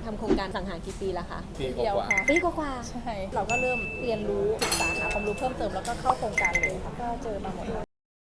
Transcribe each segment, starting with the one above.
ทำโครงการสังหารกี่ปีแล้วคะปีเดียวกว่าค่ะปีกว่าใช่เราก็เริ่มเรียนรู้ศึกษาหาความรู้เพิ่มเติมแล้วก็เข้าโครงการเลยค่ะก็เจอมาหมดเลย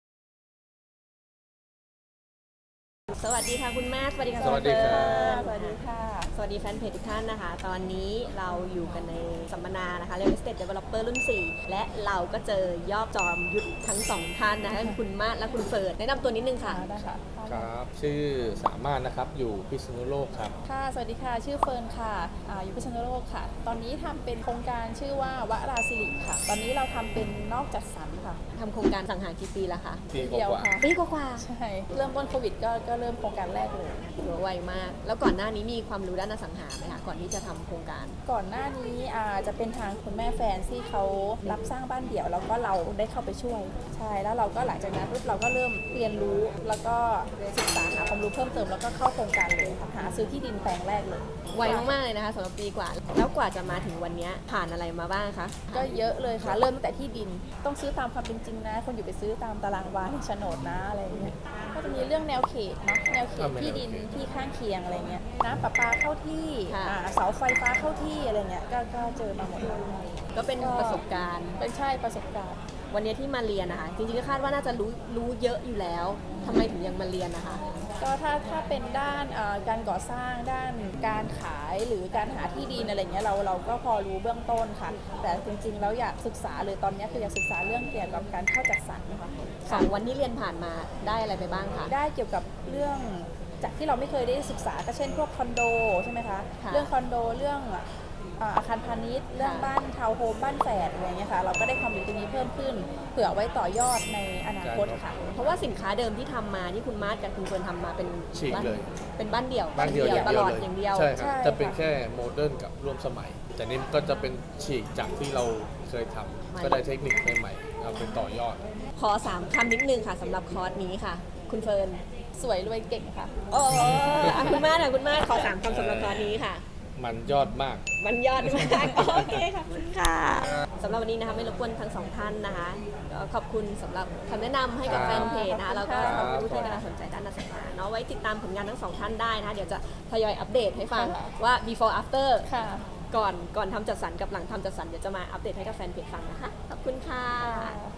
สวัสดีค่ะคุณแม่สวัสดีค่ะสวัสดีครับสวัสดีค่ะสวัสดีแฟนเพจทุกท่านนะคะ ตอนนี้เราอยู่กันในสัมมนานะคะ Real Estate Developer รุ่น 4 และเราก็เจอยอดจอมยุทธทั้งสองท่านนะคะคุณมาศและคุณเฟิร์นแนะนำตัวนิดนึงค่ะได้ค่ะครับ ชื่อสามารถนะครับ อยู่พิษณุโลกครับค่ะ สวัสดีค่ะ ชื่อเฟิร์นค่ะอยู่พิษณุโลกค่ะ ตอนนี้ทำเป็นโครงการชื่อว่าวราสิริค่ะ ตอนนี้เราทำเป็นนอกจัดสรรค่ะทำโครงการสังหารกี่ปีแล้วคะปีกเดียวว่าค่ะปีกว่าใช่ เริ่มต้นโควิดก็เริ่มโครงการแรกเลยถือว่าไวมาก แล้วก่อนหน้านี้มีความรู้ด้านอสังหาไหมคะก่อนที่จะทำโครงการก่อนหน้านี้จะเป็นทางคุณแม่แฟนที่เขารับสร้างบ้านเดี่ยวแล้วก็เราได้เข้าไปช่วยใช่แล้วเราก็หลังจากนั้นปุ๊บเราก็เริ่มเรียนรู้แล้วก็ศึกษาหาความรู้เพิ่มเติมแล้วก็เข้าโครงการเลยค่ะหาซื้อที่ดินแปลงแรกเลยไวมากๆเลยนะคะสำหรับปีกว่า แล้วกว่าจะมาถึงวันนี้ผ่านอะไรมาบ้างคะก็เยอะเลยค่ะ เริ่มตั้งแต่ที่ดินต้องซื้อตามความเป็นจริงนะคนอยู่ไปซื้อตามตารางวาในโฉนดนะอะไรอย่างเงี้ยก็จะมีเรื่องแนวเขตเนาะแนวเขตที่ดินที่ข้างเคียงอะไรเงี้ยน้ำประปาเข้าที่เสาไฟฟ้าเข้าที่อะไรเงี้ยก็เจอมาหมดเลยก็เป็นประสบการณ์เป็นใช่ประสบการณ์วันนี้ที่มาเรียนนะคะจริงๆก็คาดว่าน่าจะรู้เยอะอยู่แล้วทำไมถึงยังมาเรียนนะคะก็ถ้าเป็นด้านการก่อสร้างด้านการขายหรือการหาที่ดินอะไรเงี้ยเราก็พอรู้เบื้องต้นค่ะ แต่จริงๆแล้วอยากศึกษาเลยตอนนี้คืออยากศึกษาเรื่องเกี่ยวกับการเข้าจัดสรรค่ะ 2 วันที่เรียนผ่านมาได้อะไรไปบ้างคะได้เกี่ยวกับเรื่องจากที่เราไม่เคยได้ศึกษาก็เช่นพวกคอนโดใช่ไหมคะค่ะเรื่องคอนโดเรื่องอาคารพาณิชย์เรื่องค่ะบ้านทาวน์โฮมบ้านแฝดอะไรเงี้ยค่ะเราก็ได้ความรู้ตรงนี้เพิ่มขึ้นเผื่อไว้ต่อยอดในอนาคตค่ะเพราะว่าสินค้าเดิมที่ทำมาที่คุณมาร์ทกับคุณเฟิร์นทำมาเป็นฉีกบ้านเลยเป็นบ้านเดี่ยวบ้านเดียวอย่างตเดียวลอดเลยอย่างเดียวใช่คใช่รับค่ะจะเป็นแค่โมเดิร์นกับร่วมสมัย แต่นี่ก็จะเป็นฉีกจากที่เราเคยทำก็ได้เทคนิคใหม่ๆเอาไปต่อยอดขอ 3 คำนิดนึงค่ะสำหรับคอร์สนี้ค่ะ คุณเฟิร์นสวยรวยเก่งค่ะโอ้คุณมาร์ทค่ะคุณมาร์ทขอ 3 คำสำหรับคอร์สนี้ค่ะมันยอดมากมันยอดมากโอเคค่ะขอบคุณค่ะสำหรับวันนี้นะคะไม่รบกวนทั้งสองท่านนะคะก็ขอบคุณสำหหรับคำแนะนำให้กับครับแฟนเพจนะคะแล้วก็ครับสำหรับผู้ที่กำลังสนใจด้านอสังหาเนาะไว้ติดตามผลงานทั้งสองท่านได้นะคะเดี๋ยวจะทยอยอัปเดตให้ฟังค่ะว่า before after ค่ะก่อนทำจัดสรรกับหลังทำจัดสรรเดี๋ยวจะมาอัปเดตให้กับแฟนเพจฟังนะคะขอบคุณค่ะ